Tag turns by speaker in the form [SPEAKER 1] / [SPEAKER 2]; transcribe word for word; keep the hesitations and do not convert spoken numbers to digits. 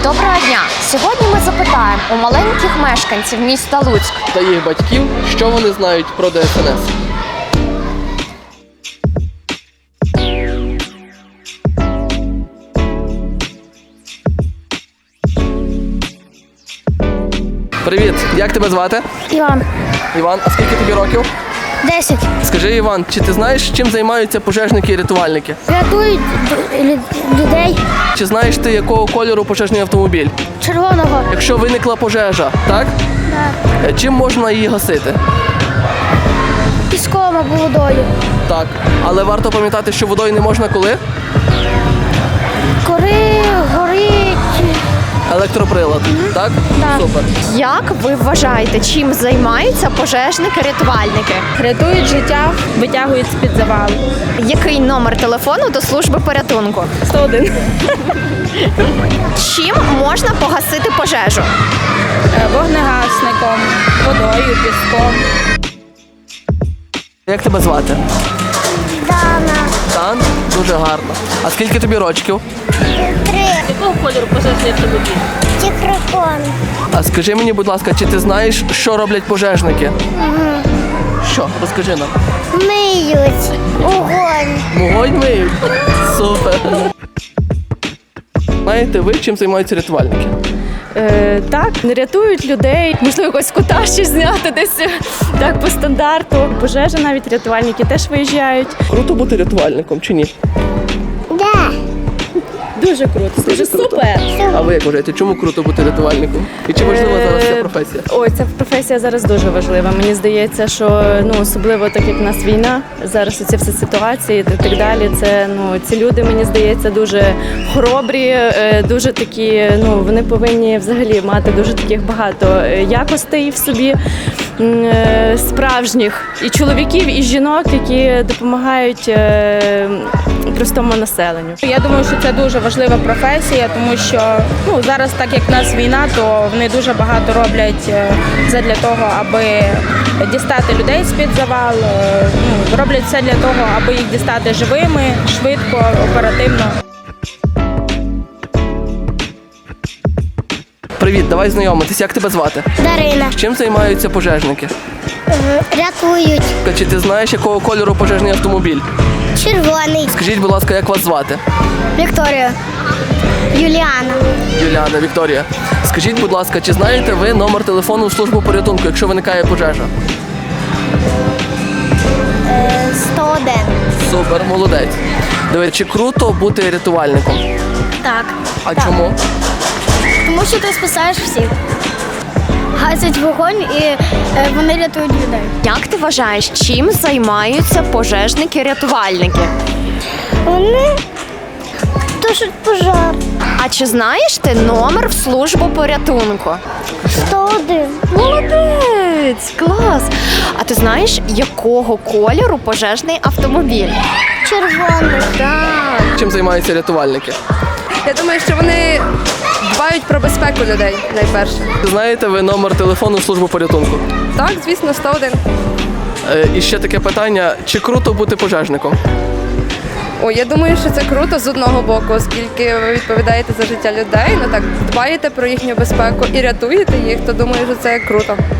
[SPEAKER 1] Доброго дня! Сьогодні ми запитаємо у маленьких мешканців міста Луцьк
[SPEAKER 2] та їх батьків, що вони знають про Д S N S. Привіт, як тебе звати?
[SPEAKER 3] Іван.
[SPEAKER 2] Іван, а скільки тобі років?
[SPEAKER 3] Десять.
[SPEAKER 2] Скажи, Іван, чи ти знаєш, чим займаються пожежники і рятувальники?
[SPEAKER 3] Рятують лю- людей
[SPEAKER 2] Чи знаєш ти, якого кольору пожежний автомобіль?
[SPEAKER 3] червоного.
[SPEAKER 2] Якщо виникла пожежа, так?
[SPEAKER 3] Да.
[SPEAKER 2] Е, Чим можна її гасити?
[SPEAKER 3] Піском або водою.
[SPEAKER 2] Так. Але варто пам'ятати, що водою не можна коли?
[SPEAKER 3] Кори, горить.
[SPEAKER 2] Електроприлад. Так?
[SPEAKER 3] Так.
[SPEAKER 2] Супер.
[SPEAKER 1] Як ви вважаєте, чим займаються пожежники-рятувальники?
[SPEAKER 4] Рятують життя, витягують з-під завалу.
[SPEAKER 1] Який номер телефону до служби порятунку?
[SPEAKER 4] сто один.
[SPEAKER 1] Чим можна погасити пожежу?
[SPEAKER 4] Е, Вогнегасником, водою, піском.
[SPEAKER 2] Як тебе звати?
[SPEAKER 3] Дана.
[SPEAKER 2] Дан? Дуже гарно. А скільки тобі рочків?
[SPEAKER 3] Три.
[SPEAKER 4] Якого кольору пожежний автомобіль?
[SPEAKER 3] Тікрокон.
[SPEAKER 2] А скажи мені, будь ласка, чи ти знаєш, що роблять пожежники? Що? Розкажи нам.
[SPEAKER 3] Миють. Огонь.
[SPEAKER 2] Вогонь миють? Супер. Знаєте ви, чим займаються рятувальники?
[SPEAKER 4] Е, так, рятують людей. Можливо, якось кута ще зняти десь так по стандарту. Пожежа навіть рятувальники теж виїжджають.
[SPEAKER 2] Круто бути рятувальником чи ні?
[SPEAKER 3] Да.
[SPEAKER 4] Дуже круто, дуже супер.
[SPEAKER 2] А ви як вважаєте, чому круто бути рятувальником? І чи важлива зараз ця професія?
[SPEAKER 4] Ой, ця професія зараз дуже важлива. Мені здається, що ну особливо так як в нас війна, зараз оці всі ситуації і так далі. Це ну ці люди, мені здається, дуже хоробрі, е, дуже такі. Ну вони повинні взагалі мати дуже таких багато е, якостей в собі. м, е, Справжніх і чоловіків, і жінок, які допомагають е, простому населенню. Я думаю, що це дуже важлива професія, тому що ну зараз, так як в нас війна, то вони дуже багато роблять е, задля того, аби дістати людей з-під завал. е, Ну, роблять все для того, аби їх дістати живими, швидко, оперативно.
[SPEAKER 2] Привіт, давай знайомитись. Як тебе звати?
[SPEAKER 3] Дарина.
[SPEAKER 2] Чим займаються пожежники?
[SPEAKER 3] Е, Рятують.
[SPEAKER 2] Чи ти знаєш, якого кольору пожежний автомобіль?
[SPEAKER 3] Червоний.
[SPEAKER 2] Скажіть, будь ласка, як вас звати?
[SPEAKER 3] Вікторія. Юліана.
[SPEAKER 2] Юліана, Вікторія. Скажіть, будь ласка, чи знаєте ви номер телефону в службу порятунку, якщо виникає пожежа?
[SPEAKER 3] Е, сто один.
[SPEAKER 2] Супер, молодець. Дивись, чи круто бути рятувальником?
[SPEAKER 3] Так.
[SPEAKER 2] А
[SPEAKER 3] Так.
[SPEAKER 2] чому?
[SPEAKER 3] Тому що ти спасаєш всіх. Гасять вогонь і е, вони рятують людей.
[SPEAKER 1] Як ти вважаєш, чим займаються пожежники-рятувальники?
[SPEAKER 3] Вони тушать пожар.
[SPEAKER 1] А чи знаєш ти номер в службу порятунку?
[SPEAKER 3] сто один.
[SPEAKER 1] Молодець! Клас! А ти знаєш, якого кольору пожежний автомобіль?
[SPEAKER 3] Червоний.
[SPEAKER 1] Так.
[SPEAKER 2] Чим займаються рятувальники?
[SPEAKER 5] Я думаю, що вони дбають про безпеку людей найперше.
[SPEAKER 2] Знаєте ви номер телефону в службу порятунку?
[SPEAKER 5] Так, звісно, сто один.
[SPEAKER 2] Е, і ще таке питання, чи круто бути пожежником?
[SPEAKER 5] О, я думаю, що це круто з одного боку, оскільки ви відповідаєте за життя людей, ну так дбаєте про їхню безпеку і рятуєте їх, то думаю, що це круто.